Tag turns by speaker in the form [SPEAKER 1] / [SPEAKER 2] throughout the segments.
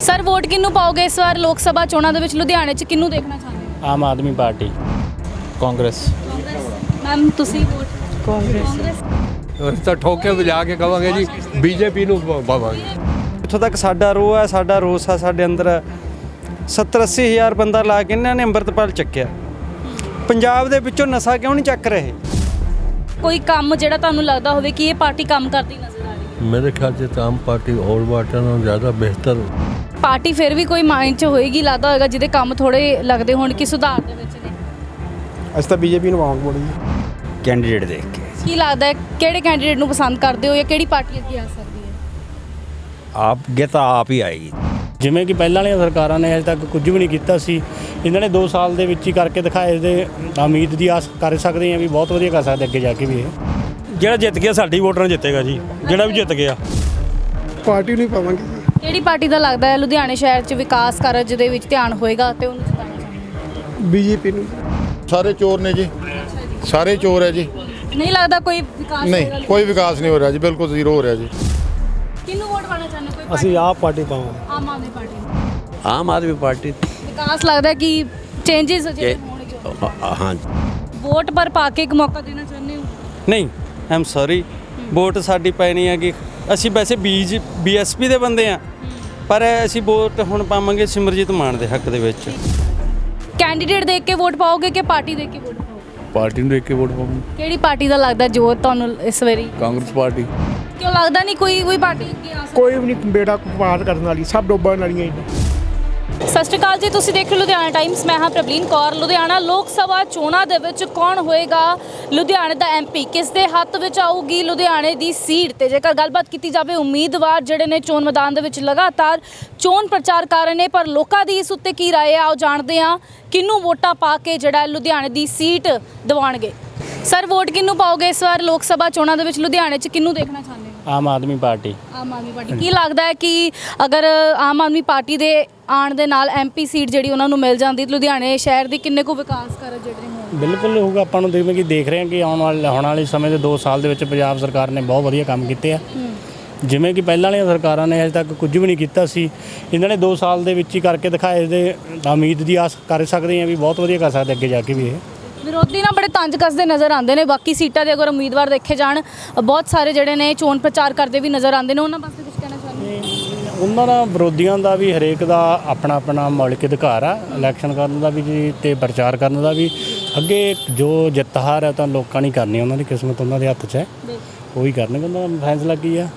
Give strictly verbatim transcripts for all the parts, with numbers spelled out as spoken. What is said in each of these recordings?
[SPEAKER 1] Sir vote किन्नू पाओगे इस बार लोक सभा चोणां दे विच लुधियाने च किन्नू देखना चाहते हो?
[SPEAKER 2] आम आदमी पार्टी कांग्रेस
[SPEAKER 1] मैम तुसी वोट
[SPEAKER 3] ਕਾਂਗਰਸ ਅਸੀਂ ਤਾਂ ਠੋਕ ਕੇ ਵਜਾ ਕੇ ਕਵਾਂਗੇ ਜੀ ਬੀਜੇਪੀ ਨੂੰ ਪਾਵਾਂਗੇ।
[SPEAKER 4] ਇੱਥੋਂ ਤੱਕ ਸਾਡਾ ਰੋਹ ਹੈ, ਸਾਡਾ ਰੋਸ ਆ, ਸਾਡੇ ਅੰਦਰ ਸੱਤਰ ਅੱਸੀ ਹਜ਼ਾਰ ਬੰਦਾ ਲਾ ਕੇ ਇਹਨਾਂ ਨੇ ਅੰਮ੍ਰਿਤਪਾਲ ਚੱਕਿਆ। ਪੰਜਾਬ ਦੇ ਵਿੱਚੋਂ ਨਸ਼ਾ ਕਿਉਂ ਨਹੀਂ ਚੱਕ ਰਹੇ?
[SPEAKER 1] ਕੋਈ ਕੰਮ ਜਿਹੜਾ ਤੁਹਾਨੂੰ ਲੱਗਦਾ ਹੋਵੇ ਕਿ ਇਹ ਪਾਰਟੀ ਕੰਮ ਕਰਦੀ ਨਜ਼ਰ ਆ ਰਹੀ ਹੈ?
[SPEAKER 5] मेरे ख्याल से तो आम पार्टी और पार्टियों नालों ज़्यादा बेहतर
[SPEAKER 1] ਪਾਰਟੀ ਫਿਰ ਵੀ ਕੋਈ ਮਾਈਂਡ 'ਚ ਹੋਏਗੀ, ਲੱਗਦਾ ਹੋਏਗਾ ਜਿਹਦੇ ਕੰਮ ਥੋੜੇ ਲੱਗਦੇ ਹੋਣ ਕਿ ਸੁਧਾਰ ਦੇ ਵਿੱਚ ਨੇ।
[SPEAKER 6] ਅਸੀਂ ਤਾਂ ਬੀਜੇਪੀ ਨੂੰ ਪਾਵਾਂਗੇ ਬੋਲੀ
[SPEAKER 4] ਕੈਂਡੀਡੇਟ ਦੇਖ ਕੇ
[SPEAKER 1] ਕੀ ਲੱਗਦਾ ਹੈ ਕਿਹੜੇ ਕੈਂਡੀਡੇਟ ਨੂੰ ਪਸੰਦ ਕਰਦੇ ਹੋ ਜਾਂ ਕਿਹੜੀ ਪਾਰਟੀ ਅੱਗੇ ਆ ਸਕਦੀ ਹੈ?
[SPEAKER 4] ਆਪ ਗੇ ਤਾਂ ਆਪ ਹੀ ਆਏਗੀ।
[SPEAKER 2] ਜਿਵੇਂ ਕਿ ਪਹਿਲਾਂ ਵਾਲੀਆਂ ਸਰਕਾਰਾਂ ਨੇ ਅਜੇ ਤੱਕ ਕੁਝ ਵੀ ਨਹੀਂ ਕੀਤਾ ਸੀ, ਇਹਨਾਂ ਨੇ ਦੋ ਸਾਲ ਦੇ ਵਿੱਚ ਹੀ ਕਰਕੇ ਦਿਖਾਏ ਤੇ ਉਮੀਦ ਦੀ ਆਸ ਕਰ ਸਕਦੇ ਹਾਂ ਵੀ ਬਹੁਤ ਵਧੀਆ ਕਰ ਸਕਦੇ ਅੱਗੇ ਜਾ ਕੇ ਵੀ। ਇਹ
[SPEAKER 7] ਜਿਹੜਾ ਜਿੱਤ ਗਿਆ ਸਾਡੀ ਵੋਟਰਾਂ ਨਾਲ ਜਿੱਤੇਗਾ ਜੀ, ਜਿਹੜਾ ਵੀ ਜਿੱਤ ਗਿਆ।
[SPEAKER 6] ਪਾਰਟੀ ਨੂੰ ਹੀ ਪਾਵਾਂਗੇ।
[SPEAKER 1] ਕਿਹੜੀ ਪਾਰਟੀ ਦਾ ਲੱਗਦਾ ਹੈ ਲੁਧਿਆਣੇ ਸ਼ਹਿਰ 'ਚ ਵਿਕਾਸ ਕਾਰਜ ਦੇ ਵਿੱਚ ਧਿਆਨ ਹੋਏਗਾ ਤੇ ਉਹਨੂੰ ਜਿਤਾਉਣਾ ਚਾਹੁੰਦੇ ਹੋ?
[SPEAKER 6] ਬੀਜੇਪੀ ਨੂੰ।
[SPEAKER 8] ਸਾਰੇ ਚੋਰ ਨੇ ਜੀ, ਸਾਰੇ ਚੋਰ ਹੈ ਜੀ।
[SPEAKER 1] ਨਹੀਂ ਲੱਗਦਾ ਕੋਈ ਵਿਕਾਸ ਹੋਏਗਾ?
[SPEAKER 8] ਨਹੀਂ ਕੋਈ ਵਿਕਾਸ ਨਹੀਂ ਹੋ ਰਿਹਾ ਜੀ, ਬਿਲਕੁਲ ਜ਼ੀਰੋ ਹੋ ਰਿਹਾ ਜੀ।
[SPEAKER 1] ਕਿਹਨੂੰ ਵੋਟ ਪਾਣਾ ਚਾਹੁੰਦੇ ਹੋ? ਕੋਈ
[SPEAKER 7] ਅਸੀਂ ਆਪ ਪਾਰਟੀ ਪਾਵਾਂਗੇ।
[SPEAKER 1] ਆਮ ਆਦਮੀ ਪਾਰਟੀ।
[SPEAKER 5] आम आदमी पार्टी
[SPEAKER 1] ਵਿਕਾਸ ਲੱਗਦਾ ਕਿ ਚੇਂजेस ਜਿਹੜੇ ਹੋਣਗੇ।
[SPEAKER 5] हाँ
[SPEAKER 1] ਵੋਟ ਪਰ ਪਾ ਕੇ ਇੱਕ ਮੌਕਾ ਦੇਣਾ ਚਾਹੁੰਦੇ ਹੋ?
[SPEAKER 4] ਨਹੀਂ ਆਮ ਸੌਰੀ, ਵੋਟ ਸਾਡੀ ਪੈਣੀ ਹੈ ਕਿ ਅਸੀਂ ਵੈਸੇ ਬੀਜ ਬੀਐਸਪੀ ਦੇ ਬੰਦੇ ਆ, ਪਰ ਅਸੀਂ ਵੋਟ ਹੁਣ ਪਾਵਾਂਗੇ ਸਿਮਰਜੀਤ ਮਾਨ ਦੇ ਹੱਕ ਦੇ ਵਿੱਚ।
[SPEAKER 1] ਕੈਂਡੀਡੇਟ ਦੇਖ ਕੇ ਵੋਟ ਪਾਓਗੇ ਕਿ ਪਾਰਟੀ ਦੇਖ ਕੇ ਵੋਟ ਪਾਓਗੇ?
[SPEAKER 5] पार्टी ਨੂੰ ਦੇਖ ਕੇ ਵੋਟ ਪਾਵਾਂਗੇ।
[SPEAKER 1] ਕਿਹੜੀ ਪਾਰਟੀ ਦਾ ਲੱਗਦਾ ਜੋ ਤੁਹਾਨੂੰ ਇਸ ਵਾਰੀ?
[SPEAKER 5] ਕਾਂਗਰਸ ਪਾਰਟੀ।
[SPEAKER 1] ਕਿਉਂ ਲੱਗਦਾ ਨਹੀਂ ਕੋਈ ਕੋਈ ਪਾਰਟੀ ਅੱਗੇ ਆ ਸਕਦੀ?
[SPEAKER 6] ਕੋਈ ਵੀ ਨਹੀਂ ਬੇੜਾ ਕੁਪਾਤ ਕਰਨ ਵਾਲੀ, ਸਭ ਡੋਬਣ ਵਾਲੀਆਂ ਹੀ।
[SPEAKER 1] ਸਤਿ ਸ਼੍ਰੀ ਅਕਾਲ ਜੀ, ਤੁਸੀਂ ਦੇਖ ਰਹੇ ਲੁਧਿਆਣਾ ਟਾਈਮਸ। ਮੈਂ ਹਾਂ ਪ੍ਰਬਲੀਨ ਕੌਰ। ਲੁਧਿਆਣਾ ਲੋਕ ਸਭਾ ਚੋਣਾਂ ਦੇ ਵਿੱਚ ਕੌਣ ਹੋਏਗਾ ਲੁਧਿਆਣੇ ਦਾ ਐਮਪੀ, ਕਿਸ ਦੇ ਹੱਥ ਵਿੱਚ ਆਊਗੀ ਲੁਧਿਆਣੇ ਦੀ ਸੀਟ? ਤੇ ਜੇਕਰ ਗੱਲਬਾਤ ਕੀਤੀ ਜਾਵੇ, ਉਮੀਦਵਾਰ ਜਿਹੜੇ ਨੇ ਚੋਣ ਮੈਦਾਨ ਦੇ ਵਿੱਚ ਲਗਾਤਾਰ ਚੋਣ ਪ੍ਰਚਾਰ ਕਰ ਰਹੇ ਨੇ, ਪਰ ਲੋਕਾਂ ਦੀ ਇਸ ਉੱਤੇ ਕੀ ਰਾਏ ਆ ਆਓ ਜਾਣਦੇ ਹਾਂ। ਕਿਹਨੂੰ ਵੋਟਾਂ ਪਾ ਕੇ ਜਿਹੜਾ ਲੁਧਿਆਣੇ ਦੀ ਸੀਟ ਦਿਵਾਉਣਗੇ? ਸਰ ਵੋਟ ਕਿਹਨੂੰ ਪਾਓਗੇ ਇਸ ਵਾਰ ਲੋਕ ਸਭਾ ਚੋਣਾਂ ਦੇ ਵਿੱਚ ਲੁਧਿਆਣੇ 'ਚ ਕਿਹਨੂੰ ਦੇਖਣਾ ਚਾਹੁੰਦੇ ਹੋ?
[SPEAKER 2] ਆਮ ਆਦਮੀ ਪਾर्टी
[SPEAKER 1] ਆਮ ਆਦਮੀ ਪਾਰਟੀ। ਕੀ ਲੱਗਦਾ ਹੈ ਕਿ ਅਗਰ ਆਮ ਆਦਮੀ ਪਾਰਟੀ ਦੇ ਆਉਣ ਦੇ ਨਾਲ ਐਮਪੀ ਸੀਟ ਜਿਹੜੀ ਉਹਨਾਂ ਨੂੰ ਮਿਲ ਜਾਂਦੀ, ਲੁਧਿਆਣੇ ਸ਼ਹਿਰ ਦੀ ਕਿੰਨੇ ਕੁ ਵਿਕਾਸ ਕਾਰਜ ਜਿਹੜੇ ਹੋਣ?
[SPEAKER 2] ਬਿਲਕੁਲ ਹੋਊਗਾ। ਆਪਾਂ ਨੂੰ ਜਿਵੇਂ ਕਿ ਦੇਖ ਰਹੇ ਹਾਂ ਕਿ ਆਉਣ ਵਾਲੇ ਆਉਣ ਵਾਲੇ ਸਮੇਂ ਦੇ ਦੋ ਸਾਲ ਦੇ ਵਿੱਚ ਪੰਜਾਬ ਸਰਕਾਰ ਨੇ ਬਹੁਤ ਵਧੀਆ ਕੰਮ ਕੀਤੇ ਆ। ਜਿਵੇਂ ਕਿ ਪਹਿਲਾਂ ਵਾਲੀਆਂ ਸਰਕਾਰਾਂ ਨੇ ਅਜੇ ਤੱਕ ਕੁਝ ਵੀ ਨਹੀਂ ਕੀਤਾ ਸੀ, ਇਹਨਾਂ ਨੇ ਦੋ ਸਾਲ ਦੇ ਵਿੱਚ ਹੀ ਕਰਕੇ ਦਿਖਾਏ ਤੇ ਉਮੀਦ ਦੀ ਆਸ ਕਰ ਸਕਦੇ ਹਾਂ ਵੀ ਬਹੁਤ ਵਧੀਆ ਕਰ ਸਕਦੇ ਅੱਗੇ ਜਾ ਕੇ ਵੀ। ਇਹ
[SPEAKER 1] ਵਿਰੋਧੀ ਨਾ ਬੜੇ ਤੰਜ ਕੱਸਦੇ ਨਜ਼ਰ ਆਉਂਦੇ ਨੇ। ਬਾਕੀ ਸੀਟਾਂ ਦੇ ਅਗਰ ਉਮੀਦਵਾਰ ਦੇਖੇ ਜਾਣ, ਬਹੁਤ ਸਾਰੇ ਜਿਹੜੇ ਨੇ ਚੋਣ ਪ੍ਰਚਾਰ ਕਰਦੇ ਵੀ ਨਜ਼ਰ ਆਉਂਦੇ ਨੇ। ਉਹਨਾਂ ਵਾਸਤੇ ਕੁਝ ਕਹਿਣਾ ਚਾਹੁੰਦੇ ਹੋ?
[SPEAKER 2] ਉਹਨਾਂ ਦਾ ਵਿਰੋਧੀਆਂ ਦਾ ਵੀ ਹਰੇਕ ਦਾ ਆਪਣਾ ਆਪਣਾ ਮੌਲਿਕ ਅਧਿਕਾਰ ਆ, ਇਲੈਕਸ਼ਨ ਕਰਨ ਦਾ ਵੀ ਜੀ ਤੇ ਪ੍ਰਚਾਰ ਕਰਨ ਦਾ ਵੀ। ਅੱਗੇ ਜੋ ਜਿੱਤ ਹਾਰ ਹੈ ਤਾਂ ਲੋਕਾਂ ਨੇ ਕਰਨੀ, ਉਹਨਾਂ ਦੀ ਕਿਸਮਤ ਉਹਨਾਂ ਦੇ ਹੱਥ 'ਚ ਹੈ, ਉਹੀ ਕਰਨਗੇ। ਉਹਨਾਂ ਦਾ ਫੈਸਲਾ ਕੀ ਆ।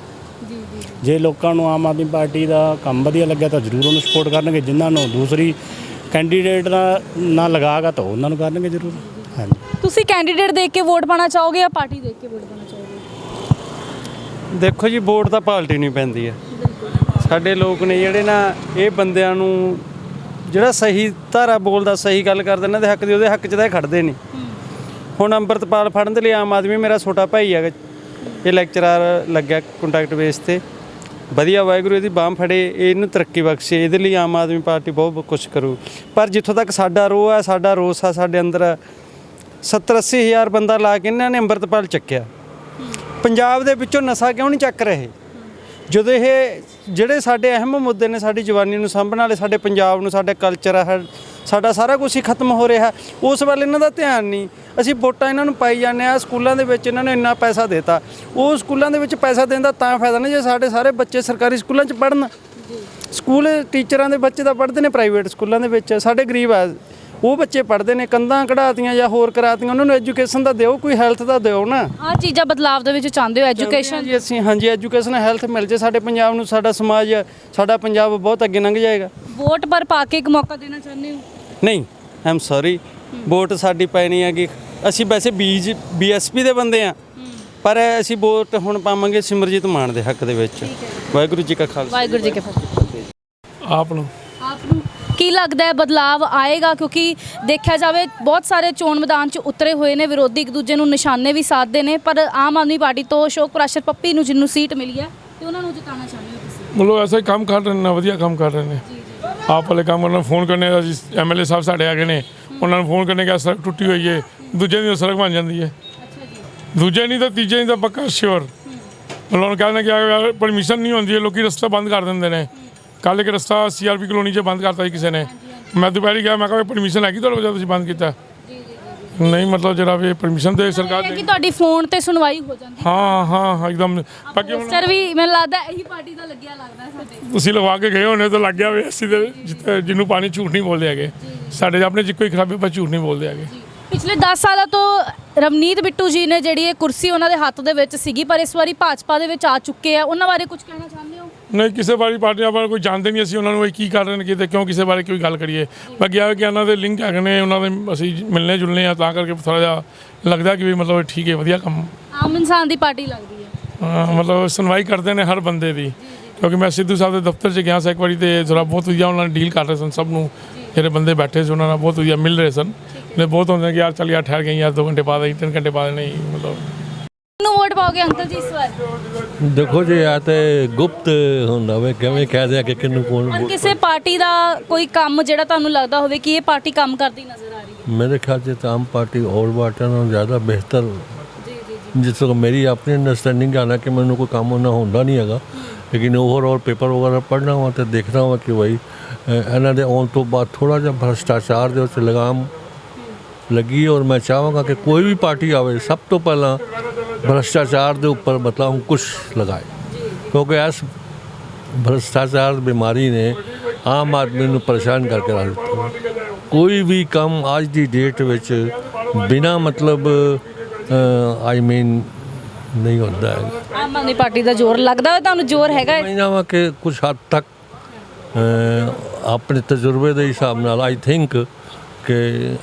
[SPEAKER 2] ਜੇ ਲੋਕਾਂ ਨੂੰ ਆਮ ਆਦਮੀ ਪਾਰਟੀ ਦਾ ਕੰਮ ਵਧੀਆ ਲੱਗਿਆ ਤਾਂ ਜ਼ਰੂਰ ਉਹਨੂੰ ਸਪੋਰਟ ਕਰਨਗੇ, ਜਿਨ੍ਹਾਂ ਨੂੰ ਦੂਸਰੀ ਕੈਂਡੀਡੇਟ ਦਾ ਨਾ ਲਗਾਗਾ ਤਾਂ ਉਹਨਾਂ ਨੂੰ ਕਰਨਗੇ ਜ਼ਰੂਰ। ਹਾਂਜੀ,
[SPEAKER 1] ਤੁਸੀਂ ਕੈਂਡੀਡੇਟ ਦੇਖ ਕੇ ਵੋਟ ਪਾਣਾ ਚਾਹੋਗੇ ਜਾਂ ਪਾਰਟੀ ਦੇਖ ਕੇ ਵੋਟ ਪਾਣਾ ਚਾਹੋਗੇ?
[SPEAKER 4] ਦੇਖੋ ਜੀ, ਵੋਟ ਤਾਂ ਪਾਰਟੀ ਨਹੀਂ ਪੈਂਦੀ ਹੈ। ਸਾਡੇ ਲੋਕ ਨੇ ਜਿਹੜੇ ਨਾ, ਇਹ ਬੰਦਿਆਂ ਨੂੰ ਜਿਹੜਾ ਸਹੀ ਧਾਰਾ ਬੋਲਦਾ, ਸਹੀ ਗੱਲ ਕਰਦਾ, ਇਹਨਾਂ ਦੇ ਹੱਕ ਦੀ, ਉਹਦੇ ਹੱਕ 'ਚ ਤਾਂ ਇਹ ਖੜਦੇ ਨਹੀਂ। ਹੁਣ ਅੰਮ੍ਰਿਤਪਾਲ ਫੜਨ ਦੇ ਲਈ ਆਮ ਆਦਮੀ, ਮੇਰਾ ਛੋਟਾ ਭਾਈ ਹੈਗਾ, ਇਹ ਲੈਕਚਰਰ ਲੱਗਿਆ ਕੰਟੈਕਟ ਬੇਸ ਤੇ, ਵਧੀਆ ਵਾਹਿਗੁਰੂ ਇਹਦੀ ਬਾਂਹ ਫੜੇ, ਇਹਨੂੰ ਤਰੱਕੀ ਬਖਸ਼ੇ। ਇਹਦੇ ਲਈ ਆਮ ਆਦਮੀ ਪਾਰਟੀ ਬਹੁਤ ਕੁਛ ਕਰੂ। ਪਰ ਜਿੱਥੋਂ ਤੱਕ ਸਾਡਾ ਰੋਹ ਹੈ, ਸਾਡਾ ਰੋਸ ਆ, ਸਾਡੇ ਅੰਦਰ ਸੱਤਰ ਅੱਸੀ ਹਜ਼ਾਰ ਬੰਦਾ ਲਾ ਕੇ ਇਹਨਾਂ ਨੇ ਅੰਮ੍ਰਿਤਪਾਲ ਚੱਕਿਆ। ਪੰਜਾਬ ਦੇ ਵਿੱਚੋਂ ਨਸ਼ਾ ਕਿਉਂ ਨਹੀਂ ਚੱਕ ਰਹੇ? ਜਦੋਂ ਇਹ ਜਿਹੜੇ ਸਾਡੇ ਅਹਿਮ ਮੁੱਦੇ ਨੇ, ਸਾਡੀ ਜਵਾਨੀ ਨੂੰ ਸਾਂਭਣ ਵਾਲੇ, ਸਾਡੇ ਪੰਜਾਬ ਨੂੰ, ਸਾਡੇ ਕਲਚਰ ਆ, ਸਾਡਾ ਸਾਰਾ ਕੁਝ ਹੀ ਖਤਮ ਹੋ ਰਿਹਾ, ਉਸ ਵੱਲ ਇਹਨਾਂ ਦਾ ਧਿਆਨ ਨਹੀਂ। ਅਸੀਂ ਵੋਟਾਂ ਇਹਨਾਂ ਨੂੰ ਪਾਈ ਜਾਂਦੇ ਹਾਂ। ਸਕੂਲਾਂ ਦੇ ਵਿੱਚ ਇਹਨਾਂ ਨੇ ਇੰਨਾ ਪੈਸਾ ਦੇਤਾ, ਉਹ ਸਕੂਲਾਂ ਦੇ ਵਿੱਚ ਪੈਸਾ ਦੇਣ ਦਾ ਤਾਂ ਫਾਇਦਾ ਨਹੀਂ ਜੇ ਸਾਡੇ ਸਾਰੇ ਬੱਚੇ ਸਰਕਾਰੀ ਸਕੂਲਾਂ 'ਚ ਪੜ੍ਹਨ। ਸਕੂਲ ਟੀਚਰਾਂ ਦੇ ਬੱਚੇ ਤਾਂ ਪੜ੍ਹਦੇ ਨੇ ਪ੍ਰਾਈਵੇਟ ਸਕੂਲਾਂ ਦੇ ਵਿੱਚ, ਸਾਡੇ ਗਰੀਬ ਆ ਉਹ ਬੱਚੇ ਪੜ੍ਹਦੇ ਨੇ, ਕੰਧਾਂ ਕਢਾਤੀਆਂ ਜਾਂ ਹੋਰ ਕਰਾਤੀਆਂ, ਉਹਨਾਂ ਨੂੰ ਐਜੂਕੇਸ਼ਨ ਦਾ ਦਿਓ, ਕੋਈ ਹੈਲਥ ਦਾ ਦਿਓ ਨਾ।
[SPEAKER 1] ਆਹ ਚੀਜ਼ਾਂ ਬਦਲਾਵ ਦੇ ਵਿੱਚ ਚਾਹੁੰਦੇ ਹੋ? ਐਜੂਕੇਸ਼ਨ
[SPEAKER 4] ਜੀ ਅਸੀਂ, ਹਾਂਜੀ, ਐਜੂਕੇਸ਼ਨ ਹੈਲਥ ਮਿਲ ਜੇ ਸਾਡੇ ਪੰਜਾਬ ਨੂੰ, ਸਾਡਾ ਸਮਾਜ, ਸਾਡਾ ਪੰਜਾਬ ਬਹੁਤ ਅੱਗੇ ਲੰਘ ਜਾਏਗਾ।
[SPEAKER 1] ਵੋਟ ਪਰ ਪਾ ਕੇ ਇੱਕ ਮੌਕਾ ਦੇਣਾ ਚਾਹੁੰਦੇ ਹੋ?
[SPEAKER 4] ਨਹੀਂ ਆਮ ਸੌਰੀ, ਵੋਟ ਸਾਡੀ ਪੈਣੀ ਹੈ ਕਿ ਅਸੀਂ ਵੈਸੇ ਬੀਜ ਬੀਐਸਪੀ ਦੇ ਬੰਦੇ ਆ, ਪਰ ਅਸੀਂ ਵੋਟ ਹੁਣ ਪਾਵਾਂਗੇ ਸਿਮਰਜੀਤ ਮਾਨ ਦੇ ਹੱਕ ਦੇ ਵਿੱਚ। ਵਾਹਿਗੁਰੂ ਜੀ ਕਾ ਖਾਲਸਾ,
[SPEAKER 1] ਵਾਹਿਗੁਰੂ ਜੀ ਕੀ ਫਤਿਹ।
[SPEAKER 7] ਆਪ ਨੂੰ
[SPEAKER 1] ਆਪ ਨੂੰ ਕੀ ਲੱਗਦਾ ਹੈ ਬਦਲਾਵ ਆਏਗਾ? ਕਿਉਂਕਿ ਦੇਖਿਆ ਜਾਵੇ ਬਹੁਤ ਸਾਰੇ ਚੋਣ ਮੈਦਾਨ 'ਚ ਉਤਰੇ ਹੋਏ ਨੇ, ਵਿਰੋਧੀ ਇੱਕ ਦੂਜੇ ਨੂੰ ਨਿਸ਼ਾਨੇ ਵੀ ਸਾਧਦੇ ਨੇ, ਪਰ ਆਮ ਆਦਮੀ ਪਾਰਟੀ ਤੋਂ ਅਸ਼ੋਕ ਪ੍ਰਾਸ਼ਰ ਪੱਪੀ ਨੂੰ ਜਿਹਨੂੰ ਸੀਟ ਮਿਲੀ ਹੈ ਤੇ ਉਹਨਾਂ ਨੂੰ ਜਿਤਾਉਣਾ ਚਾਹੁੰਦੇ ਹੋ ਤੁਸੀਂ?
[SPEAKER 7] ਮਤਲਬ ਐਸਾ ਹੀ ਕੰਮ ਕਰ ਰਹੇ ਨੇ, ਵਧੀਆ ਕੰਮ ਕਰ ਰਹੇ ਨੇ। ਆਪ ਵਾਲੇ ਕੰਮ ਉਹਨਾਂ ਨੂੰ ਫੋਨ ਕਰਨੇ ਦਾ ਜੀ, ਐਮ ਐਲ ਏ ਸਾਹਿਬ ਸਾਡੇ ਆ ਗਏ ਨੇ, ਉਹਨਾਂ ਨੂੰ ਫੋਨ ਕਰਨੇ ਕਿ ਸੜਕ ਟੁੱਟੀ ਹੋਈ ਹੈ, ਦੂਜੇ ਦੀ ਸੜਕ ਬਣ ਜਾਂਦੀ ਹੈ, ਦੂਜੇ ਨਹੀਂ ਤਾਂ ਤੀਜੇ ਨਹੀਂ ਤਾਂ ਪੱਕਾ ਸ਼ੋਰ। ਉਹਨਾਂ ਨੂੰ ਕਹਿੰਦੇ ਕਿ ਪਰਮਿਸ਼ਨ ਨਹੀਂ ਹੁੰਦੀ ਹੈ, ਲੋਕੀ ਰਸਤਾ ਬੰਦ ਕਰ ਦਿੰਦੇ ਨੇ। ਕੱਲ ਇੱਕ ਰਸਤਾ ਸੀਆਰਪੀ ਕਲੋਨੀ 'ਚ ਬੰਦ ਕਰਤਾ ਸੀ ਕਿਸੇ ਨੇ। ਮੈਂ ਦੁਪਹਿਰੀ ਗਿਆ, ਮੈਂ ਕਿਹਾ ਪਰਮਿਸ਼ਨ ਹੈਗੀ ਤੁਹਾਡੇ ਕੋਲ, ਤੁਸੀਂ ਬੰਦ ਕੀਤਾ? ਨਹੀਂ, ਮਤਲਬ ਜਿਹੜਾ ਵੀ ਪਰਮਿਸ਼ਨ ਦੇ ਸਰਕਾਰ
[SPEAKER 1] ਕਿ ਤੁਹਾਡੀ ਫੋਨ ਤੇ ਸੁਣਵਾਈ ਹੋ ਜਾਂਦੀ।
[SPEAKER 7] ਹਾਂ ਹਾਂ ਹਾਂ, ਇੱਕਦਮ। ਬਾਕੀ ਹੁਣ
[SPEAKER 1] ਸਰ ਵੀ ਮੈਨੂੰ ਲੱਗਦਾ ਇਹੀ ਪਾਰਟੀ ਦਾ ਲੱਗਿਆ ਲੱਗਦਾ ਸਾਡੇ।
[SPEAKER 7] ਤੁਸੀਂ ਲਗਵਾ ਕੇ ਗਏ ਹੋਣੇ ਤਾਂ ਲੱਗ ਗਿਆ ਵੀ ਅਸੀਂ ਤੇ ਜਿੱਥੇ ਜਿਹਨੂੰ ਪਾਣੀ ਝੂਠ ਨਹੀਂ ਬੋਲਦੇ ਹੈਗੇ। ਸਾਡੇ ਆਪਣੇ 'ਚ ਇੱਕੋ ਹੀ ਖਰਾਬੀ, ਪਰ ਝੂਠ ਨਹੀਂ ਬੋਲਦੇ ਹੈਗੇ।
[SPEAKER 1] ਪਿਛਲੇ ਦਸ ਸਾਲਾਂ ਤੋਂ ਰਵਨੀਤ ਬਿੱਟੂ ਜੀ ਨੇ ਜਿਹੜੀ ਇਹ ਕੁਰਸੀ ਉਹਨਾਂ ਦੇ ਹੱਥ ਦੇ ਵਿੱਚ ਸੀਗੀ, ਪਰ ਇਸ ਵਾਰੀ ਭਾਜਪਾ ਦੇ ਵਿੱਚ ਆ ਚੁੱਕੇ ਆ, ਉਹਨਾਂ ਬਾਰੇ ਕੁਝ ਕਹਿਣਾ ਚਾਹੁੰਦੇ ਹੋ?
[SPEAKER 7] ਨਹੀਂ, ਕਿਸੇ ਬਾਰੇ ਪਾਰਟੀਆਂ ਬਾਰੇ ਕੋਈ ਜਾਣਦੇ ਨਹੀਂ ਅਸੀਂ ਉਹਨਾਂ ਨੂੰ, ਇਹ ਕੀ ਕਰ ਰਹੇ ਨੇ ਕਿਤੇ, ਕਿਉਂ ਕਿਸੇ ਬਾਰੇ ਕੋਈ ਗੱਲ ਕਰੀਏ। ਬਾਕੀ ਆ ਕਿ ਇਹਨਾਂ ਦੇ ਲਿੰਕ ਹੈਗੇ ਨੇ, ਉਹਨਾਂ ਦੇ ਅਸੀਂ ਮਿਲਨੇ ਜੁਲਨੇ ਆ, ਤਾਂ ਕਰਕੇ ਥੋੜ੍ਹਾ ਜਿਹਾ ਲੱਗਦਾ ਕਿ ਵੀ ਮਤਲਬ ਠੀਕ ਹੈ, ਵਧੀਆ ਕੰਮ।
[SPEAKER 1] ਆਮ ਇਨਸਾਨ ਦੀ ਪਾਰਟੀ ਲੱਗਦੀ ਹੈ।
[SPEAKER 7] ਹਾਂ, ਮਤਲਬ ਸੁਣਵਾਈ ਕਰਦੇ ਨੇ ਹਰ ਬੰਦੇ ਦੀ, ਕਿਉਂਕਿ ਮੈਂ ਸਿੱਧੂ ਸਾਹਿਬ ਦੇ ਦਫ਼ਤਰ 'ਚ ਗਿਆ ਸੀ ਇੱਕ ਵਾਰੀ, ਤੇ ਥੋੜ੍ਹਾ ਬਹੁਤ ਵਧੀਆ ਉਹਨਾਂ ਨੇ ਡੀਲ ਕਰ ਰਹੇ ਸਨ ਸਭ ਨੂੰ, ਜਿਹੜੇ ਬੰਦੇ ਬੈਠੇ ਸੀ ਉਹਨਾਂ ਨਾਲ ਬਹੁਤ ਵਧੀਆ ਮਿਲ ਰਹੇ ਸਨ। ਨੇ ਬਹੁਤ ਹੁੰਦੇ ਕਿ ਯਾਰ ਚੱਲ ਯਾਰ ਠਹਿਰ ਗਏ ਯਾਰ, ਦੋ ਘੰਟੇ ਬਾਅਦ ਆਈ, ਤਿੰਨ ਘੰਟੇ ਬਾਅਦ ਨਹੀਂ, ਮਤਲਬ।
[SPEAKER 1] ਕਿਹਨੂੰ ਵੋਟ ਪਾਓਗੇ ਅੰਕਲ ਜੀ ਇਸ ਵਾਰ?
[SPEAKER 5] ਦੇਖੋ ਜੀ, ਆ ਤੇ ਗੁਪਤ ਹੁੰਦਾ ਵੇ, ਕਿਵੇਂ ਕਹਿ ਦਿਆ ਕਿ ਕਿਹਨੂੰ ਕੌਣ
[SPEAKER 1] ਪਰ
[SPEAKER 5] ਵੋਟ।
[SPEAKER 1] ਕਿਸੇ ਪਾਰਟੀ ਦਾ ਕੋਈ ਕੰਮ ਜਿਹੜਾ ਤੁਹਾਨੂੰ ਲੱਗਦਾ ਹੋਵੇ ਕਿ ਇਹ ਪਾਰਟੀ ਕੰਮ ਕਰਦੀ ਨਜ਼ਰ ਆ ਰਹੀ ਹੈ?
[SPEAKER 5] ਮੇਰੇ ਖਿਆਲ 'ਚ ਤਾਂ ਆਮ ਪਾਰਟੀ ਹੋਰ ਪਾਰਟੀਆਂ ਨਾਲੋਂ ਜ਼ਿਆਦਾ ਬਿਹਤਰ,
[SPEAKER 1] ਜੀ ਜੀ
[SPEAKER 5] ਜਿਸ ਤਰ੍ਹਾਂ ਮੇਰੀ ਆਪਣੀ ਅੰਡਰਸਟੈਂਡਿੰਗ ਹੈ ਨਾ ਕਿ ਮੈਨੂੰ ਕੋਈ ਕੰਮ ਉਹਨਾਂ ਹੁੰਦਾ ਨਹੀਂ ਹੈਗਾ, ਲੇਕਿਨ ਓਵਰਆਲ ਪੇਪਰ ਵਗੈਰਾ ਪੜ੍ਹਨਾ ਵਾ ਤੇ ਦੇਖਣਾ ਵਾ ਕਿ ਭਾਈ ਇਹਨਾਂ ਦੇ ਆਉਣ ਤੋਂ ਬਾਅਦ ਥੋੜ੍ਹਾ ਜਿਹਾ ਭ੍ਰਿਸ਼ਟਾਚਾਰ ਦੇ ਉੱਤੇ ਲਗਾਮ ਲੱਗੀ। ਔਰ ਮੈਂ ਚਾਹਾਂਗਾ ਕਿ ਕੋਈ ਵੀ ਪਾਰਟੀ ਆਵੇ, ਸਭ ਤੋਂ ਪਹਿਲਾਂ ਭ੍ਰਿਸ਼ਟਾਚਾਰ ਦੇ ਉੱਪਰ ਮਤਲਬ ਕੁਛ ਲਗਾਏ, ਕਿਉਂਕਿ ਇਸ ਭ੍ਰਿਸ਼ਟਾਚਾਰ ਬਿਮਾਰੀ ਨੇ ਆਮ ਆਦਮੀ ਨੂੰ ਪਰੇਸ਼ਾਨ ਕਰਕੇ ਰੱਖ ਦਿੱਤਾ। ਕੋਈ ਵੀ ਕੰਮ ਅੱਜ ਦੀ ਡੇਟ ਵਿੱਚ ਬਿਨਾਂ ਮਤਲਬ ਆਈ ਮੀਨ ਨਹੀਂ ਹੁੰਦਾ ਹੈ।
[SPEAKER 1] ਆਮ ਆਦਮੀ ਪਾਰਟੀ ਦਾ ਜ਼ੋਰ ਲੱਗਦਾ ਤੁਹਾਨੂੰ? ਜ਼ੋਰ ਹੈਗਾ ਹੈ?
[SPEAKER 5] ਸਮਝਦਾ ਵਾ ਕਿ ਕੁਝ ਹੱਦ ਤੱਕ ਆਪਣੇ ਤਜਰਬੇ ਦੇ ਹਿਸਾਬ ਨਾਲ ਆਈ ਥਿੰਕ ਕਿ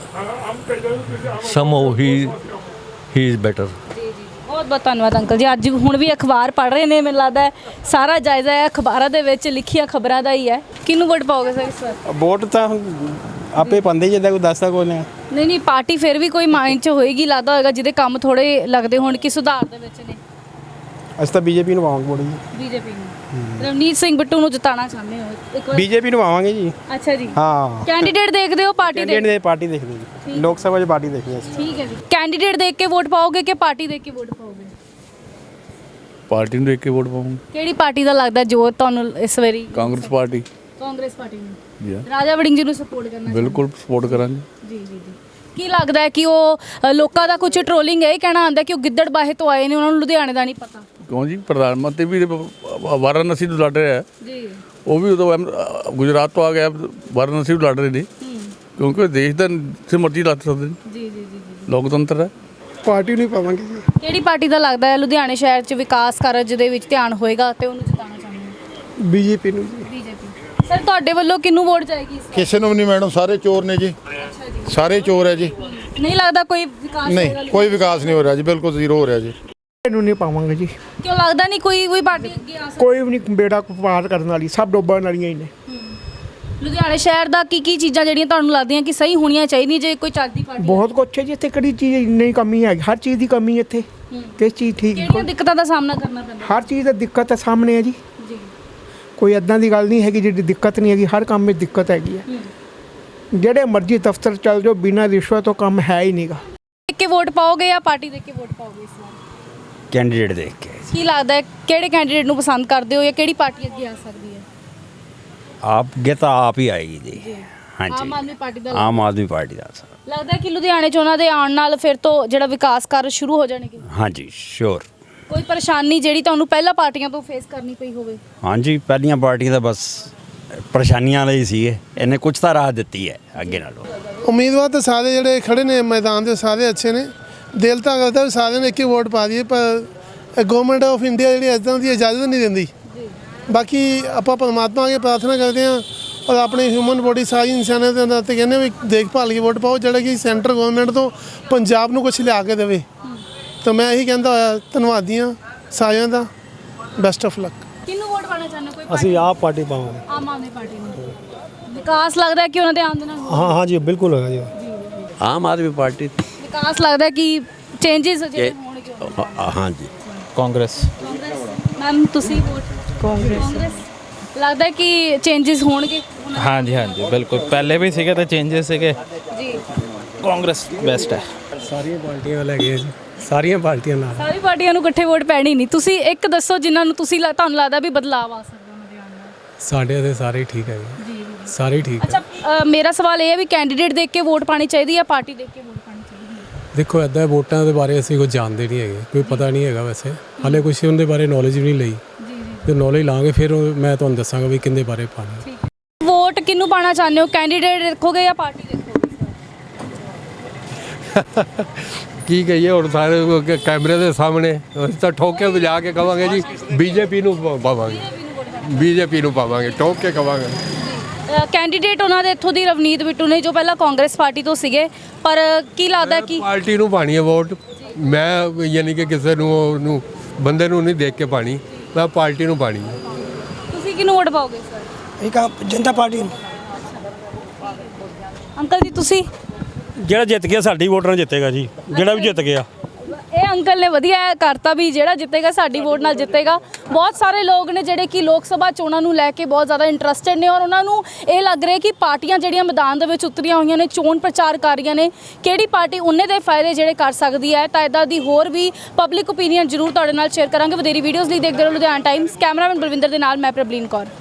[SPEAKER 5] ਸਮਹਾਉ ਹੀ ਹੀ ਇਜ਼ ਬੈਟਰ।
[SPEAKER 1] ਬਹੁਤ ਬਹੁਤ ਧੰਨਵਾਦ ਅੰਕਲ ਜੀ। ਅੱਜ ਹੁਣ ਵੀ ਅਖਬਾਰ ਪੜ੍ਹ ਰਹੇ ਨੇ, ਮੈਨੂੰ ਲੱਗਦਾ ਹੈ ਸਾਰਾ ਜਾਇਜ਼ਾ ਹੈ ਅਖਬਾਰਾਂ ਦੇ ਵਿੱਚ ਲਿਖੀਆਂ ਖਬਰਾਂ ਦਾ ਹੀ ਹੈ। ਕਿਹਨੂੰ ਵੋਟ ਪਾਓਗੇ ਸਰ ਇਸ ਵਾਰ?
[SPEAKER 6] ਵੋਟ ਤਾਂ ਆਪੇ ਪਾਉਂਦੇ, ਜਿੱਦਾਂ ਕੋਈ ਦੱਸਦਾ ਕੋਈ ਨਹੀਂ।
[SPEAKER 1] ਨਹੀਂ ਨਹੀਂ, ਪਾਰਟੀ ਫਿਰ ਵੀ ਕੋਈ ਮਾਈਂਡ 'ਚ ਹੋਏਗੀ, ਲੱਗਦਾ ਹੋਏਗਾ ਜਿਹਦੇ ਕੰਮ ਥੋੜੇ ਲੱਗਦੇ ਹੋਣ ਕਿ ਸੁਧਾਰ ਦੇ ਵਿੱਚ ਨੇ।
[SPEAKER 6] ਅਸੀਂ ਤਾਂ ਬੀਜੇਪੀ ਨੂੰ ਪਾਵਾਂਗੇ ਵੋਟ ਜੀ।
[SPEAKER 1] ਬੀਜੇਪੀ ਨੂੰ ਰਵਨੀਤ ਸਿੰਘ ਬਿੱਟੂ ਨੂੰ ਜਿਤਾਉਣਾ ਚਾਹੁੰਦੇ ਹੋ ਇੱਕ ਵਾਰ?
[SPEAKER 6] ਬੀਜੇਪੀ ਨੂੰ ਪਾਵਾਂਗੇ ਜੀ।
[SPEAKER 1] ਅੱਛਾ ਜੀ,
[SPEAKER 6] ਹਾਂ।
[SPEAKER 1] ਕੈਂਡੀਡੇਟ ਦੇਖਦੇ ਹੋ ਪਾਰਟੀ
[SPEAKER 6] ਕੈਂਡੀਡੇਟ
[SPEAKER 1] ਦੇ?
[SPEAKER 6] ਦੇ ਪਾਰਟੀ ਦੇਖਦੇ ਜੀ, ਲੋਕ ਸਭਾ 'ਚ ਪਾਰਟੀ ਦੇਖਦੇ ਅਸੀਂ।
[SPEAKER 1] ਠੀਕ ਹੈ ਜੀ। ਕੈਂਡੀਡੇਟ ਦੇਖ ਕੇ ਵੋਟ ਪਾਓਗੇ ਕਿ ਪਾਰਟੀ ਦੇਖ ਕੇ ਵੋਟ ਪਾਓਗੇ?
[SPEAKER 5] ਪਾਰਟੀ ਨੂੰ ਦੇਖ ਕੇ ਵੋਟ ਪਾਵਾਂਗੇ।
[SPEAKER 1] ਕਿਹੜੀ ਪਾਰਟੀ ਦਾ ਲੱਗਦਾ ਜੋ ਤੁਹਾਨੂੰ ਇਸ ਵਾਰੀ?
[SPEAKER 5] ਕਾਂਗਰਸ ਪਾਰਟੀ।
[SPEAKER 1] ਕਾਂਗਰਸ ਪਾਰਟੀ ਨੂੰ? ਰਾਜਾ ਵੜਿੰਗ ਜੀ ਨੂੰ ਸਪੋਰਟ ਕਰਨਾ?
[SPEAKER 5] ਬਿਲਕੁਲ ਸਪੋਰਟ ਕਰਾਂਗੇ।
[SPEAKER 1] ਜੀ ਜੀ ਜੀ। ਕੀ ਲੱਗਦਾ ਹੈ ਕਿ ਉਹ ਅ, ਲੋਕਾਂ ਦਾ ਕੁਝ ਟ੍ਰੋਲਿੰਗ ਇਹ ਕਹਿਣਾ ਆਉਂਦਾ ਕਿ ਉਹ ਗਿੱਦੜ ਬਾਹੇ ਤੋਂ ਆਏ ਨੇ, ਉਹਨਾਂ ਨੂੰ ਲੁਧਿਆਣੇ ਦਾ ਨਹੀਂ ਪਤਾ?
[SPEAKER 5] ਕਿਉਂ ਜੀ, ਪ੍ਰਧਾਨ ਮੰਤਰੀ ਵੀ ਵਾਰਾਣਸੀ ਤੋਂ ਲੜ ਰਿਹਾ ਹੈ,
[SPEAKER 1] ਜੀ।
[SPEAKER 5] ਉਹ ਵੀ ਉਦੋਂ ਗੁਜਰਾਤ ਤੋਂ ਆ ਗਿਆ, ਵਾਰਾਣਸੀ ਤੋਂ ਲੜ ਰਹੇ ਨੇ, ਕਿਉਂਕਿ ਦੇਸ਼ ਦਾ ਜਿੱਥੇ ਮਰਜ਼ੀ ਲੱਗ ਸਕਦੇ ਨੇ।
[SPEAKER 1] ਜੀ ਜੀ ਜੀ ਜੀ।
[SPEAKER 5] ਲੋਕਤੰਤਰ ਹੈ।
[SPEAKER 6] ਪਾਰਟੀ ਨੂੰ ਪਾਵਾਂਗੇ ਜੀ।
[SPEAKER 1] ਕਿਹੜੀ ਪਾਰਟੀ ਦਾ ਲੱਗਦਾ ਹੈ ਲੁਧਿਆਣੇ ਸ਼ਹਿਰ 'ਚ ਵਿਕਾਸ ਕਾਰਜ ਦੇ ਵਿੱਚ ਧਿਆਨ ਹੋਏਗਾ ਤੇ ਉਹਨੂੰ ਜਿਤਾਉਣਾ ਚਾਹੁੰਦੇ ਹੋ?
[SPEAKER 6] ਬੀਜੇਪੀ ਨੂੰ ਜੀ।
[SPEAKER 1] ਬੀਜੇਪੀ। ਸਰ ਤੁਹਾਡੇ ਵੱਲੋਂ ਕਿਹਨੂੰ ਵੋਟ ਜਾਏਗੀ ਇਸ ਵਾਰ?
[SPEAKER 8] ਕਿਸੇ ਨੂੰ ਵੀ ਨਹੀਂ ਮੈਡਮ, ਸਾਰੇ ਚੋਰ ਨੇ ਜੀ,
[SPEAKER 1] ਅੱਛਾ ਜੀ।
[SPEAKER 8] ਸਾਰੇ ਚੋਰ ਹੈ ਜੀ।
[SPEAKER 1] ਨਹੀਂ ਲੱਗਦਾ ਕੋਈ ਵਿਕਾਸ ਹੋਏਗਾ?
[SPEAKER 8] ਨਹੀਂ, ਕੋਈ ਵਿਕਾਸ ਨਹੀਂ ਹੋ ਰਿਹਾ ਜੀ, ਬਿਲਕੁਲ ਜ਼ੀਰੋ ਹੋ ਰਿਹਾ ਜੀ।
[SPEAKER 6] ਇਹਨੂੰ ਨਹੀਂ ਪਾਵਾਂਗੇ ਜੀ।
[SPEAKER 1] ਕਿਉਂ ਲੱਗਦਾ ਨਹੀਂ ਕੋਈ ਕੋਈ ਪਾਰਟੀ ਅੱਗੇ ਆ ਸਕਦੀ?
[SPEAKER 6] ਕੋਈ ਵੀ ਨਹੀਂ ਬੇੜਾ ਪਾਰ ਕਰਨ ਵਾਲੀ, ਸਭ ਡੋਬਣ ਵਾਲੀਆਂ ਹੀ ਨੇ।
[SPEAKER 1] ਲੁਧਿਆਣੇ ਸ਼ਹਿਰ ਦਾ ਕੀ ਕੀ ਚੀਜ਼ਾਂ ਜਿਹੜੀਆਂ ਤੁਹਾਨੂੰ ਲੱਗਦੀਆਂ ਕਿ ਸਹੀ ਹੋਣੀਆਂ ਚਾਹੀਦੀਆਂ ਜੇ ਕੋਈ ਚੱਲਦੀ ਪਾਰਟੀ?
[SPEAKER 6] ਬਹੁਤ ਕੁਛ ਹੈ ਜੀ ਇੱਥੇ, ਕਿਹੜੀ ਚੀਜ਼ ਇੰਨੀ ਕਮੀ ਹੈ? ਹਰ ਚੀਜ਼ ਦੀ ਕਮੀ ਹੈ ਇੱਥੇ। ਕਿਸ ਚੀਜ਼ ਠੀਕ?
[SPEAKER 1] ਕਿਹੜੀਆਂ ਦਿੱਕਤਾਂ ਦਾ ਸਾਹਮਣਾ ਕਰਨਾ ਪੈਂਦਾ?
[SPEAKER 6] ਹਰ ਚੀਜ਼ ਦਾ ਦਿੱਕਤ ਹੈ ਸਾਹਮਣੇ ਹੈ ਜੀ।
[SPEAKER 1] ਜੀ।
[SPEAKER 6] ਕੋਈ ਐਦਾਂ ਦੀ ਗੱਲ ਨਹੀਂ ਹੈਗੀ ਜਿਹੜੀ ਦਿੱਕਤ ਨਹੀਂ ਹੈਗੀ, ਹਰ ਕੰਮ ਵਿੱਚ ਦਿੱਕਤ ਹੈਗੀ ਹੈ। ਜਿਹੜੇ ਮਰਜ਼ੀ ਦਫ਼ਤਰ ਚੱਲ ਜਾਓ, ਬਿਨਾਂ ਰਿਸ਼ਵਤ ਤੋਂ ਕੰਮ ਹੈ ਹੀ ਨਹੀਂਗਾ।
[SPEAKER 1] ਦੇਖ ਕੇ ਵੋਟ ਪਾਓਗੇ ਜਾਂ ਪਾਰਟੀ ਦੇਖ ਕੇ ਵੋਟ ਪਾਓਗੇ ਇਸ ਵਾਰ?
[SPEAKER 9] ਕੈਂਡੀਡੇਟ ਦੇਖ ਕੇ।
[SPEAKER 1] ਕੀ ਲੱਗਦਾ ਹੈ ਕਿਹੜੇ ਕੈਂਡੀਡੇਟ ਨੂੰ ਪਸੰਦ ਕਰਦੇ ਹੋ ਜਾਂ ਕਿਹੜੀ ਪਾਰਟੀ ਅੱਗੇ ਆ ਸਕਦੀ ਹੈ?
[SPEAKER 9] ਆਪ ਗੇ ਤਾਂ ਆਪ ਹੀ ਆਏਗੀ ਜੀ।
[SPEAKER 1] ਆਮ
[SPEAKER 9] ਹਾਂਜੀ,
[SPEAKER 1] ਆਦਮੀ ਪਾਰਟੀ ਦਾ
[SPEAKER 9] ਆਮ ਆਦਮੀ ਪਾਰਟੀ ਦਾ ਸਰ।
[SPEAKER 1] ਲੱਗਦਾ ਹੈ ਕਿ ਲੁਧਿਆਣੇ 'ਚ ਉਹਨਾਂ ਦੇ ਆਉਣ ਨਾਲ ਫਿਰ ਤੋਂ ਜਿਹੜਾ ਵਿਕਾਸ ਕਾਰਜ ਸ਼ੁਰੂ ਹੋ ਜਾਣਗੇ?
[SPEAKER 9] ਹਾਂਜੀ ਸ਼ੋਰ।
[SPEAKER 1] ਕੋਈ ਪਰੇਸ਼ਾਨੀ ਜਿਹੜੀ ਤੁਹਾਨੂੰ ਪਹਿਲਾਂ ਪਾਰਟੀਆਂ ਤੋਂ ਫੇਸ ਕਰਨੀ ਪਈ ਹੋਵੇ?
[SPEAKER 9] ਹਾਂਜੀ, ਪਹਿਲੀਆਂ ਪਾਰਟੀਆਂ ਤਾਂ ਬਸ ਪਰੇਸ਼ਾਨੀਆਂ ਲਈ ਸੀਗੇ, ਇਹਨੇ ਕੁਝ ਤਾਂ ਰਾਹਤ ਦਿੱਤੀ ਹੈ ਅੱਗੇ ਨਾਲੋਂ।
[SPEAKER 10] ਉਮੀਦਵਾਰ ਤਾਂ ਸਾਰੇ ਜਿਹੜੇ ਖੜੇ ਨੇ ਮੈਦਾਨ ਦੇ ਸਾਰੇ ਅੱਛੇ ਨੇ, ਦਿਲ ਤਾਂ ਕਰਦਾ ਵੀ ਸਾਰਿਆਂ ਨੇ ਇੱਕ ਹੀ ਵੋਟ ਪਾ ਦਈਏ, ਪਰ ਗਵਰਨਮੈਂਟ ਆਫ ਇੰਡੀਆ ਜਿਹੜੀ ਇੱਦਾਂ ਦੀ ਇਜਾਜ਼ਤ ਨਹੀਂ ਦਿੰਦੀ। ਬਾਕੀ ਆਪਾਂ ਪਰਮਾਤਮਾ ਅੱਗੇ ਪ੍ਰਾਰਥਨਾ ਕਰਦੇ ਹਾਂ ਔਰ ਆਪਣੇ ਹਿਊਮਨ ਬੋਡੀ ਸਾਰੀ ਇਨਸਾਨੀਅਤ ਦੇ ਅੰਦਰ ਤੇ ਕਹਿੰਦੇ ਵੀ ਦੇਖਭਾਲ ਕੇ ਵੋਟ ਪਾਓ, ਜਿਹੜਾ ਕਿ ਸੈਂਟਰ ਗਵਰਨਮੈਂਟ ਤੋਂ ਪੰਜਾਬ ਨੂੰ ਕੁਝ ਲਿਆ ਕੇ ਦੇਵੇ। ਤਾਂ ਮੈਂ ਇਹੀ ਕਹਿੰਦਾ ਹੋਇਆ ਧੰਨਵਾਦੀ ਹਾਂ ਸਾਰਿਆਂ ਦਾ, ਬੈਸਟ ਆਫ ਲੱਕ।
[SPEAKER 1] ਕਿਹਨੂੰ ਵੋਟ ਪਾਣਾ ਚਾਹੁੰਦੇ ਹੋ? ਕੋਈ
[SPEAKER 6] ਅਸੀਂ ਆਪ ਪਾਰਟੀ ਪਾਵਾਂਗੇ।
[SPEAKER 1] ਆਮ ਆਦਮੀ ਪਾਰਟੀ ਨੂੰ? ਵਿਕਾਸ ਲੱਗਦਾ ਹੈ ਕਿ ਉਹਨਾਂ ਦੇ ਆਉਣ ਦੇ ਨਾਲ ਹੋਵੇਗਾ?
[SPEAKER 6] ਹਾਂ ਹਾਂ ਜੀ, ਬਿਲਕੁਲ ਹੋਗਾ ਜੀ।
[SPEAKER 5] ਆਮ ਆਦਮੀ ਪਾਰਟੀ।
[SPEAKER 1] ਵਿਕਾਸ ਲੱਗਦਾ ਹੈ ਕਿ ਚੇਂਜਸ ਜਿਹੜੇ ਹੋਣਗੇ?
[SPEAKER 5] ਹਾਂਜੀ।
[SPEAKER 4] ਕਾਂਗਰਸ।
[SPEAKER 1] ਕਾਂਗਰਸ। ਮੈਮ ਤੁਸੀਂ ਵੋਟ? ਕਾਂਗਰਸ। ਲੱਗਦਾ ਹੈ ਕਿ ਚੇਂਜਸ ਹੋਣਗੇ?
[SPEAKER 4] ਹਾਂਜੀ ਹਾਂਜੀ ਬਿਲਕੁਲ, ਪਹਿਲੇ ਵੀ ਸੀਗੇ ਤੇ ਚੇਂਜਸ ਸੀਗੇ
[SPEAKER 1] ਜੀ।
[SPEAKER 4] ਕਾਂਗਰਸ ਬੈਸਟ ਹੈ।
[SPEAKER 6] ਸਾਰੀਆਂ ਪਾਰਟੀਆਂ ਲੈ ਗਏ ਜੀ, ਸਾਰੀਆਂ ਪਾਰਟੀਆਂ ਨਾਲ।
[SPEAKER 1] ਸਾਰੀ ਪਾਰਟੀਆਂ ਨੂੰ ਇਕੱਠੇ ਵੋਟ ਪੈਣੀ ਨਹੀਂ। ਤੁਸੀਂ ਇੱਕ ਦੱਸੋ ਜਿਨ੍ਹਾਂ ਨੂੰ ਤੁਸੀਂ ਲ- ਤੁਹਾਨੂੰ ਲੱਗਦਾ ਵੀ ਬਦਲਾਅ ਆ ਸਕਦਾ ਉਹਨਾਂ ਦੇ ਆਉਣ ਨਾਲ?
[SPEAKER 11] ਸਾਡੇ ਇੱਥੇ ਸਾਰੇ ਹੀ ਠੀਕ ਹੈ ਜੀ ਸਾਰੇ ਹੀ ਠੀਕ ਹੈ।
[SPEAKER 1] ਅੱਛਾ ਅ, ਮੇਰਾ ਸਵਾਲ ਇਹ ਹੈ ਵੀ ਕੈਂਡੀਡੇਟ ਦੇਖ ਕੇ ਵੋਟ ਪਾਣੀ ਚਾਹੀਦੀ ਹੈ ਪਾਰਟੀ ਦੇਖ ਕੇ ਵੋਟ ਪਾਣੀ ਚਾਹੀਦੀ ਹੈ?
[SPEAKER 11] ਦੇਖੋ ਇੱਦਾਂ ਵੋਟਾਂ ਦੇ ਬਾਰੇ ਅਸੀਂ ਕੁਝ ਜਾਣਦੇ ਨਹੀਂ ਹੈਗੇ, ਕੋਈ ਪਤਾ ਨਹੀਂ ਹੈਗਾ ਵੈਸੇ ਹਾਲੇ ਕੁਝ ਉਹਦੇ ਬਾਰੇ ਨੌਲੇਜ ਵੀ ਨਹੀਂ ਲਈ ਤੇ ਨੌਲੇਜ ਲਾਂਗੇ ਫਿਰ ਉਹ ਮੈਂ ਤੁਹਾਨੂੰ ਦੱਸਾਂਗਾ ਵੀ ਕਿੰਦੇ ਬਾਰੇ ਪਾਣੀ।
[SPEAKER 1] ਵੋਟ ਕਿਹਨੂੰ ਪਾਣਾ ਚਾਹੁੰਦੇ ਹੋ, ਕੈਂਡੀਡੇਟ ਦੇਖੋਗੇ ਜਾਂ ਪਾਰਟੀ ਦੇਖੋਗੇ?
[SPEAKER 3] ਕੀ ਕਹੀਏ ਹੁਣ ਸਾਰੇ ਉਹ ਕੈਮਰੇ ਦੇ ਸਾਹਮਣੇ ਅਸੀਂ ਤਾਂ ਠੋਕ ਕੇ ਵਜਾ ਕੇ ਕਵਾਂਗੇ ਜੀ ਬੀਜੇਪੀ ਨੂੰ ਪ- ਪਾਵਾਂਗੇ ਬੀਜੇਪੀ ਨੂੰ ਪਾਵਾਂਗੇ ਠੋਕ ਕੇ ਕਵਾਂਗੇ।
[SPEAKER 1] ਅ, ਕੈਂਡੀਡੇਟ ਉਹਨਾਂ ਦੇ ਇੱਥੋਂ ਦੀ ਰਵਨੀਤ ਬਿੱਟੂ ਨੇ ਜੋ ਪਹਿਲਾਂ ਕਾਂਗਰਸ ਪਾਰਟੀ ਤੋਂ ਸੀਗੇ, ਪਰ ਕੀ ਲੱਗਦਾ ਕਿ
[SPEAKER 3] ਪਾਰਟੀ ਨੂੰ ਪਾਣੀ ਹੈ ਵੋਟ, ਮੈਂ ਯਾਨੀ ਕਿ ਕਿਸੇ ਨੂੰ ਉਹਨੂੰ ਬੰਦੇ ਨੂੰ ਨਹੀਂ ਦੇਖ ਕੇ ਪਾਣੀ, ਮੈਂ ਪਾਰਟੀ ਨੂੰ ਪਾਣੀ ਹੈ।
[SPEAKER 1] ਤੁਸੀਂ ਕਿਹਨੂੰ ਵੋਟ ਪਾਓਗੇ ਸਰ?
[SPEAKER 12] ਇੱਕ ਆ ਜਨਤਾ ਪਾਰਟੀ ਨੂੰ।
[SPEAKER 1] ਅੰਕਲ ਜੀ ਤੁਸੀਂ?
[SPEAKER 4] ਜਿਹੜਾ ਜਿੱਤ ਗਿਆ ਸਾਡੀ ਵੋਟ ਨਾਲ ਜਿੱਤੇਗਾ ਜੀ, ਜਿਹੜਾ ਵੀ ਜਿੱਤ ਗਿਆ।
[SPEAKER 1] ਇਹ ਅੰਕਲ ਨੇ ਵਧੀਆ ਕਰਤਾ ਵੀ ਜਿਹੜਾ ਜਿੱਤੇਗਾ ਸਾਡੀ ਵੋਟ ਨਾਲ ਜਿੱਤੇਗਾ। ਬਹੁਤ ਸਾਰੇ ਲੋਕ ਨੇ ਜਿਹੜੇ ਕਿ ਲੋਕ ਸਭਾ ਚੋਣਾਂ ਨੂੰ ਲੈ ਕੇ ਬਹੁਤ ਜ਼ਿਆਦਾ ਇੰਟਰਸਟਿਡ ਨੇ ਔਰ ਉਹਨਾਂ ਨੂੰ ਇਹ ਲੱਗ ਰਿਹਾ ਕਿ ਪਾਰਟੀਆਂ ਜਿਹੜੀਆਂ ਮੈਦਾਨ ਦੇ ਵਿੱਚ ਉਤਰੀਆਂ ਹੋਈਆਂ ਨੇ, ਚੋਣ ਪ੍ਰਚਾਰ ਕਰ ਰਹੀਆਂ ਨੇ, ਕਿਹੜੀ ਪਾਰਟੀ ਉਹਨੇ ਦੇ ਫਾਇਦੇ ਜਿਹੜੇ ਕਰ ਸਕਦੀ ਹੈ। ਤਾਂ ਇੱਦਾਂ ਦੀ ਹੋਰ ਵੀ ਪਬਲਿਕ ਓਪੀਨੀਅਨ ਜ਼ਰੂਰ ਤੁਹਾਡੇ ਨਾਲ ਸ਼ੇਅਰ ਕਰਾਂਗੇ। ਵਧੇਰੀ ਵੀਡੀਓਜ਼ ਲਈ ਦੇਖਦੇ ਰਹੋ ਲੁਧਿਆਣਾ ਟਾਈਮਸ। ਕੈਮਰਾਮੈਨ ਬਲਵਿੰਦਰ ਦੇ ਨਾਲ ਮੈਂ ਪ੍ਰਬਲੀਨ ਕੌਰ।